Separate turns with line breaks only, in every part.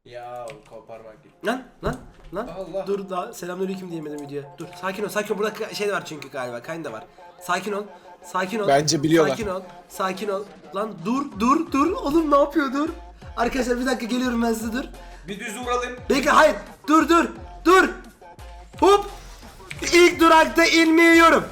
Ya koparmak gibi.
Lan.
Allah.
Dur daha selamünaleyküm diyemedim videoya. Dur sakin ol. Burada şey de var çünkü galiba. Kayn da var. Sakin ol.
Bence biliyorlar.
Sakin ol. Lan dur. Oğlum ne yapıyor dur. Arkadaşlar bir dakika geliyorum ben size dur.
Bir düz vuralım.
Bekle hayır. Dur. Hop. İlk durakta inmiyorum.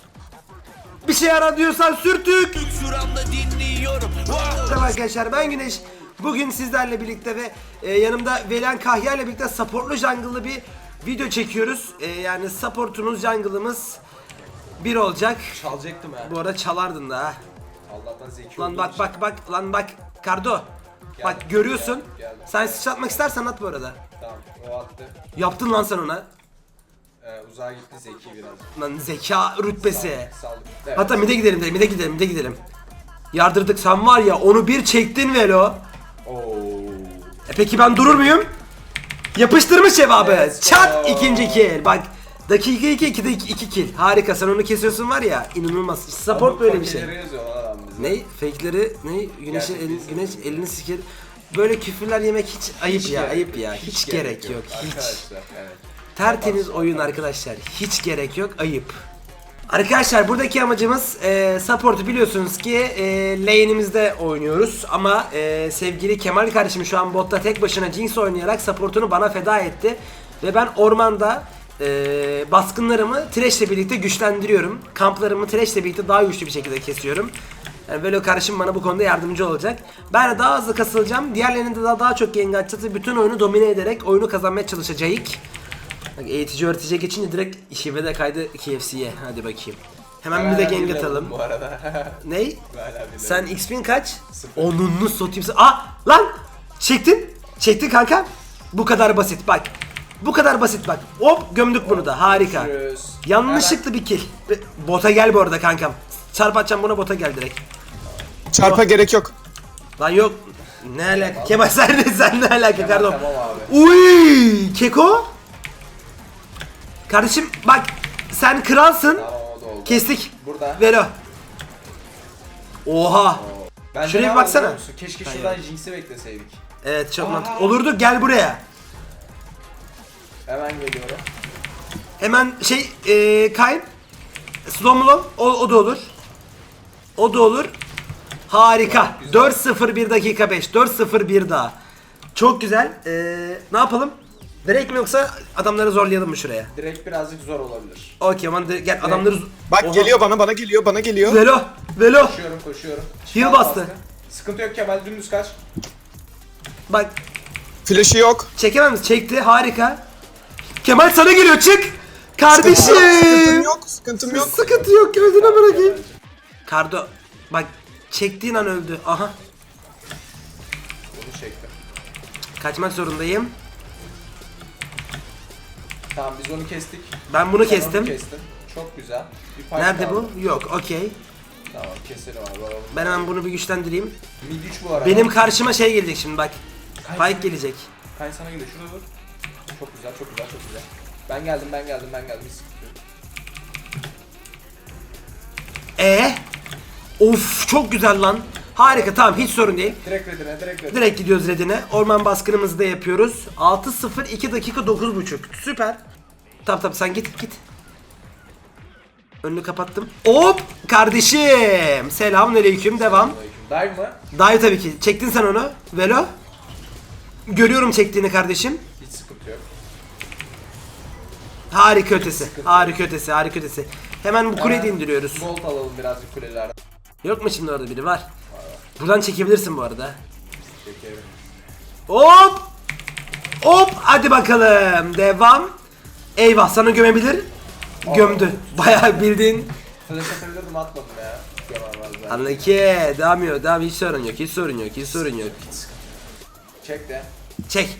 Bir şey ara diyorsan sürtük.
Şuramda dinliyorum.
Merhaba arkadaşlar, ben Güneş. Bugün sizlerle birlikte ve yanımda Velen Kahya ile birlikte supportlu jungle'lı bir video çekiyoruz. Yani supportumuz, jungle'ımız bir olacak.
Çalacaktım ha.
Bu arada çalardın da ha.
Allah'tan zeki
Lan
olduğum için.
bak Kardo.
Geldim,
Bak görüyorsun.
geldim.
Sen sıçratmak istersen at bu arada.
Tamam o attı.
Yaptın lan sen ona.
Uzağa gitti zeki biraz.
Lan zeka rütbesi.
Saldım. Evet.
Hatta mid'e gidelim. Yardırdık, sen var ya onu bir çektin Velo.
Oo.
Peki ben durur muyum? Yapıştırmış cevabı.
Let's
Çat
go.
ikinci kill. Bak dakika 2'de 2 kill. Harika, sen onu kesiyorsun var ya, inanılmaz. Support
Ama
böyle bir şey.
fake'leri yazıyor lan adam bize.
Ne? Fake'leri ne? Güneş elini sikir. Böyle küfürler yemek hiç ayıp ya, ayıp ya. Hiç gerek yok. Hiç.
Arkadaşlar evet.
Tertemiz oyun arkadaşlar. Hiç gerek yok, ayıp. Arkadaşlar buradaki amacımız support'u biliyorsunuz ki lane'imizde oynuyoruz ama sevgili Kemal kardeşim şu an botta tek başına Jinx oynayarak support'unu bana feda etti ve ben ormanda baskınlarımı Thresh'le birlikte güçlendiriyorum. Kamplarımı Thresh'le birlikte daha güçlü bir şekilde kesiyorum. Yani Velo kardeşim bana bu konuda yardımcı olacak. Ben de daha hızlı kasılacağım. Diğerlerinde daha çok gank atacağız. Bütün oyunu domine ederek oyunu kazanmaya çalışacağız. Bak eğitici öğretici geçince direkt şive de kaydı KFC'ye. Hadi bakayım. Hemen bir de gank atalım.
Bu arada.
Ney?
Hala bilemedim.
Sen XP'in kaç?
Sıfır.
Onunnu satayım. Lan! Çektin kanka. Bu kadar basit bak. Hop gömdük bunu da. Harika.
Görüşürüz.
Yanlışlıkla bir kill. Bota gel bu arada kankam. Çarp atacağım buna, bota gel direkt.
Çarpa gerek yok.
Lan yok. Ne alaka? Kemal sen ne alaka
Kemal,
kardeşim?
tamam abi.
Uy! Keko. Kardeşim bak, sen kralsın.
Tamam o da oldu.
Kestik.
Burada.
Velo. Oha.
Ben
Şuraya
ne
bir baksana.
yapalım biliyor musun? Keşke şuradan Jinx'i bekleseydik.
Evet çok
Aa.
mantıklı. Olurdu, gel buraya.
Hemen geliyorum.
Hemen Kayn. Slomlo o da olur. O da olur. Harika.
Güzel.
4-0 1 dakika 5. 4-0 1 daha. Çok güzel. Ne yapalım? Direkt mi yoksa adamları zorlayalım mı şuraya?
Direkt birazcık zor olabilir.
Okey aman gel adamları
Bak
Oha.
geliyor bana geliyor.
Velo.
Koşuyorum.
Heal
Şifa
bastı.
Sıkıntı yok Kemal, dümdüz kaç.
Bak
Flash'ı yok.
çekememiz, çekti, harika. Kemal sana geliyor, çık. Kardeşim.
Sıkıntım yok.
Sıkıntı yok, gözüne bırakayım.
Kemal'cim.
Kardo bak, çektiğin an öldü. Aha.
Bunu çektim.
Kaçmak zorundayım.
Tamam biz onu kestik.
Ben bunu
Sen
kestim.
onu kestin. Çok güzel. Bir fight
Nerede
kaldı.
bu? Yok, okey.
Tamam keselim abi. Alalım.
Ben hemen bunu bir güçlendireyim.
Mid 3 bu arada.
Benim karşıma şey gelecek şimdi bak. Fight gelecek.
Kayn sana geliyor. Şurada dur. Çok güzel. Ben geldim. Hiç sıkıntı yok.
Of çok güzel lan. Harika, tamam, hiç sorun değil.
Direkt redine.
Direkt gidiyoruz redine. Orman baskınımızı da yapıyoruz. 6-0 2 dakika 9.5. Süper. Tamam sen git. Önünü kapattım. Hop kardeşim. Selamünaleyküm, devam.
Dive mı?
Dive tabii ki. Çektin sen onu. Velo. Görüyorum çektiğini kardeşim.
Hiç sıkıntı yok.
Harika ötesi. Hemen bu kuleyi de indiriyoruz.
Bolt alalım birazcık kulelerden.
Yok mu şimdi orada biri? Var. Buradan çekebilirsin bu arada.
Çekelim.
Hop hadi bakalım, devam. Eyvah, sana gömebilir. Gömdü. Bayağı bildiğin.
Flash atabilirdim, atmadım ya. Gömemezler.
Anla ki devam, hiç sorun yok.
Çek de.
Çek.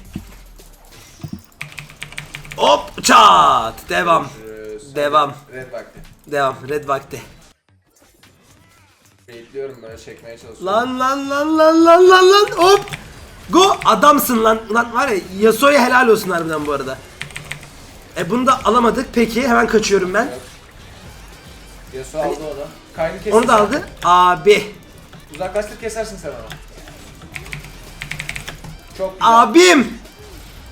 Hop çat. Devam.
Görüşürüz.
Devam.
Red vakti.
Devam. Red vakti.
Bekliyorum, böyle çekmeye çalışıyorum.
Lan. Hop. Go. Adamsın lan. Lan var ya, Yasuo'ya helal olsun harbiden bu arada. Bunu da alamadık. Peki hemen kaçıyorum ben.
Yok. Yasuo aldı onu. Kaynı kesin.
Onu da aldı. Abi.
Uzaklaştır, kesersin sen onu. Çok güzel.
Abim.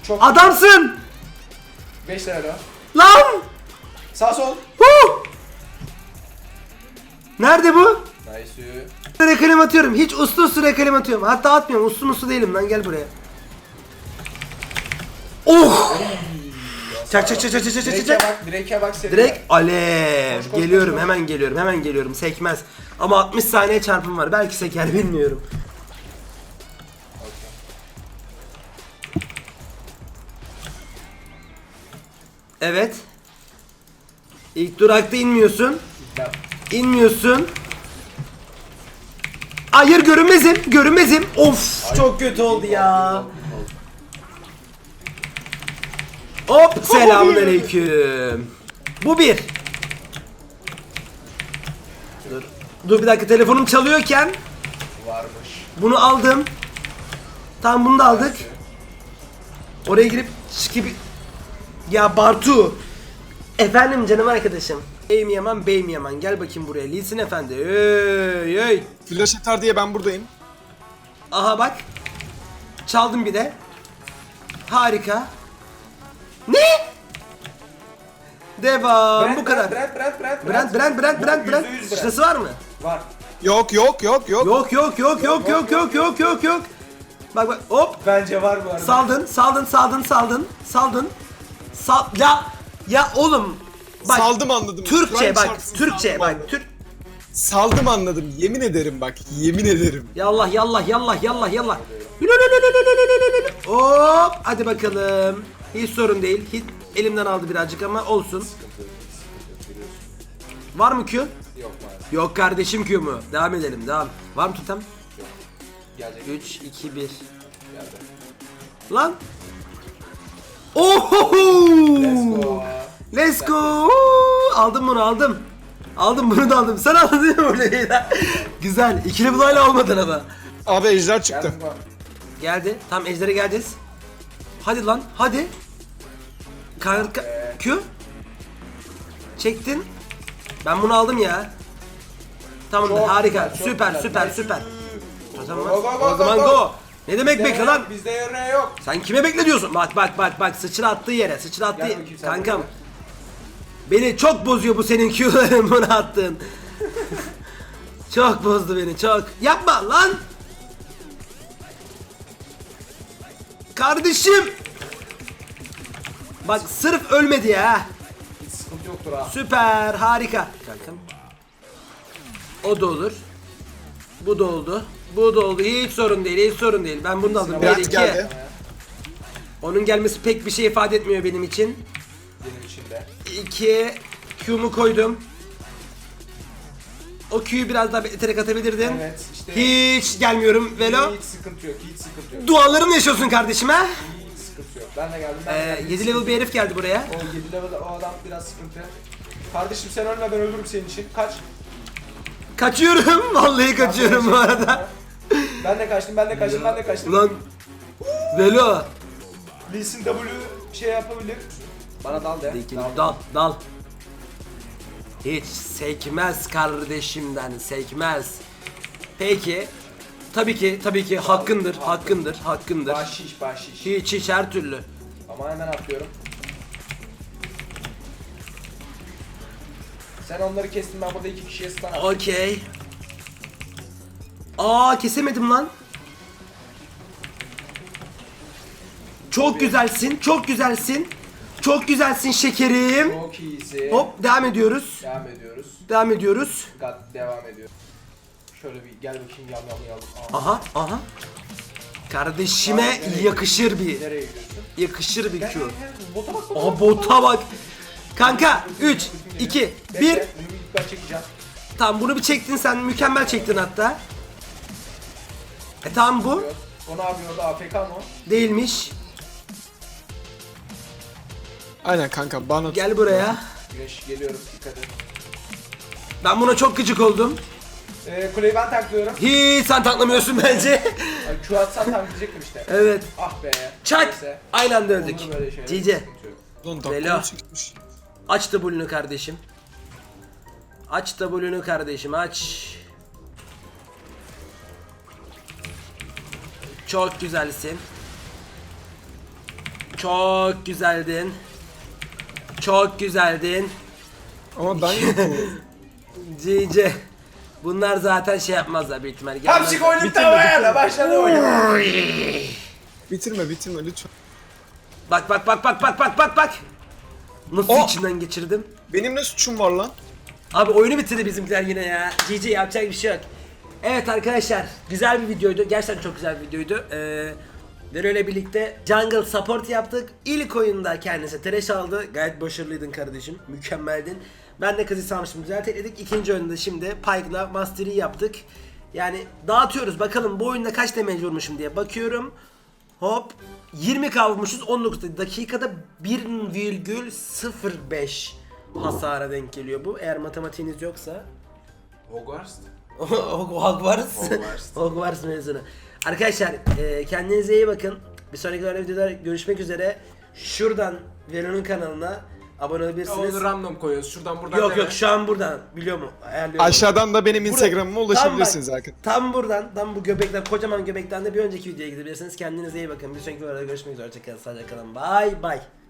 Çok.
Adamsın.
5 level o.
Lan.
Sağ sol.
Huh! Nerede bu?
Nice.
Rekalem atıyorum. Hiç uslu rekalem atıyorum. Hatta atmıyorum. Uslu değilim lan. Gel buraya. Oh! Çak.
Drake'e bak. Drake'e bak seri.
Direkt alev.
Koş, koş,
Geliyorum.
koş.
Hemen geliyorum. Sekmez. Ama 60 saniye çarpım var. Belki seker bilmiyorum. Evet. İlk durakta inmiyorsun.
Ben.
İnmiyorsun. Hayır, görünmezim. Of, çok kötü oldu ya. Hop, selamünaleyküm. Bu bir. Dur bir dakika, telefonum çalıyorken
Varmış.
bunu aldım. Tamam, bunu da aldık. Oraya girip çıkıp... Ya Bartu. Efendim canım arkadaşım. Bey mi yaman gel bakayım buraya. Lilsin efendi. Ey.
Flash atar diye ben buradayım.
Aha bak. Çaldım bir de. Harika. Ne? Devam, bu kadar. Brent.
%100
Sıçrası var mı?
Yok.
Var.
Yok. Bak hop.
Bence var bu arada.
Saldın. Ya oğlum. Bak.
Saldım anladım.
Türkçe
Kur'an
bak.
çarpsın,
Türkçe
saldım
bak.
anladım. Saldım anladım. Yemin ederim bak. Yemin ederim.
Yallah. Hop, hadi bakalım. Hiç sorun değil. Hiç elimden aldı birazcık ama olsun. Var mı Q?
Yok maalesef.
Yok kardeşim, Q mu? Devam edelim. Var mı tutam?
Gelecek.
3 2 1.
Geldi.
Lan. Oho!
Let's go.
Let's go. Aldım bunu, aldım. Aldım bunu da aldım. Sen aldın değil mi burayı da? Güzel. İkili bulayla olmadın ama.
Abi ejder çıktı.
Geldim bak.
Geldi. Tam ejdere geleceğiz. Hadi lan, hadi. Kanka Q. Çektin. Ben bunu aldım ya. Tamam,
Çok
harika.
güzel, çok
Süper.
güzel.
O zaman,
Go, go, go,
o zaman
go,
go.
go.
Ne demek bekle lan?
Bizde yöre yok.
Sen kime bekle diyorsun? Bak sıçra attığı yere.
Gel bakayım sen
Kankam.
buraya.
Beni çok bozuyor bu senin Q'ların, bunu attın. Çok bozdu beni, çok. Yapma lan. Kardeşim. Bak sırf ölmedi ya.
Hiç sıkıntı yoktur ha.
Süper, harika. Kankam. O da olur. Bu da oldu. Bu da oldu. Hiç sorun değil. Ben bunu da aldım.
Brent
1 2.
geldi.
Onun gelmesi pek bir şey ifade etmiyor benim için.
Benim içinde.
2 Q'mu koydum. O Q'yu biraz daha bekleterek atabilirdin.
Evet işte.
Hiç gelmiyorum Velo.
Hiç sıkıntı yok.
Dualarımla yaşıyorsun kardeşim ha.
Hiç sıkıntı yok. Ben de geldim.
7 level bir herif geldi buraya.
O 7 level o adam biraz sıkıntı. Kardeşim sen ölme, ben ölürüm senin için. Kaç.
Kaçıyorum. Vallahi kaçıyorum bu arada.
Ben de kaçtım.
Ulan Velo.
Lee Sin W şey yapabilir. Bana dal de.
Dal. Hiç sekmez kardeşimden, sekmez. Peki. Tabii ki hakkındır.
Bahşiş.
Hiç her türlü.
Ama hemen atlıyorum. Sen onları kestin, ben burada 2 kişiye stun attım.
Okey. Kesemedim lan. Çok güzelsin şekerim.
Çok iyisi.
Hop, devam ediyoruz.
Devam ediyoruz. Devam ediyor. Şöyle bir gel bakayım, yam.
Aha. Kardeşime
Nereye
yakışır bir
Nereye gidiyorsun?
Q.
Bota bak.
Bota bak. Kanka 3 2 1.
Bekle, bunu bir ben çekeceğim.
Tamam, bunu bir çektin sen, mükemmel çektin hatta. Tamam, bu
O ne yapıyor orada, AFK mı o?
değilmiş.
Aynen kanka bana
Gel buraya.
Güneş geliyorum, dikkat et.
Ben buna çok gıcık oldum.
Kuleyi ben tanklıyorum.
Hiç sen taklamıyorsun bence.
Ay, Q atsan tanklayacakım işte.
Evet.
Ah be.
Çak.
Neyse.
Aynı anda öldük.
Olur böyle şeyler,
Cice.
sıkıntı yok.
Lan
Bela.
dakika çıkmış.
Aç W'nu kardeşim. Aç W'nu kardeşim, aç. Çok güzelsin. Çok güzeldin. Çok güzeldin.
Ama ben yokum.
GG. Bunlar zaten şey yapmazlar büyük ihtimalle.
Hamsi koyduk tavaya. Başladı oyun.
bitirme lütfen.
Bak. Nasıl
O-
içinden geçirdim?
Benim ne suçum var lan?
Abi oyunu bitirdi bizimkiler yine ya. GG, yapacak bir şey yok. Evet arkadaşlar, güzel bir videoydu. Gerçekten çok güzel bir videoydu. Dero'yla birlikte jungle support yaptık. İlk oyunda kendisi trash aldı. Gayet başarılıydın kardeşim. Mükemmeldin. Ben de kızı salmıştım. Güzel tekledik. İkinci oyunda şimdi Pyke'la Mastery yaptık. Yani dağıtıyoruz. Bakalım bu oyunda kaç damage vurmuşum diye bakıyorum. Hop. 20k vurmuşuz. 19 dakikada 1,05 hasara denk geliyor bu. Eğer matematiğiniz yoksa.
Hogwarts.
Hogwarts mezunu. Arkadaşlar kendinize iyi bakın. Bir sonraki videoda görüşmek üzere. Şuradan Velo'nun kanalına abone olabilirsiniz.
Onu random koyuyoruz. Şuradan buradan.
Yok şu an buradan biliyor mu? Ayarlıyorum.
Aşağıdan da benim
Burada-
Instagram'ıma ulaşabilirsiniz
tam bak,
arkadaşlar.
Tam buradan, tam bu göbekten, kocaman göbekten de bir önceki videoya gidebilirsiniz. Kendinize iyi bakın. Bir sonraki videoda görüşmek üzere. Hoşçakalın. Sağlıcakla kalın. Bye bye.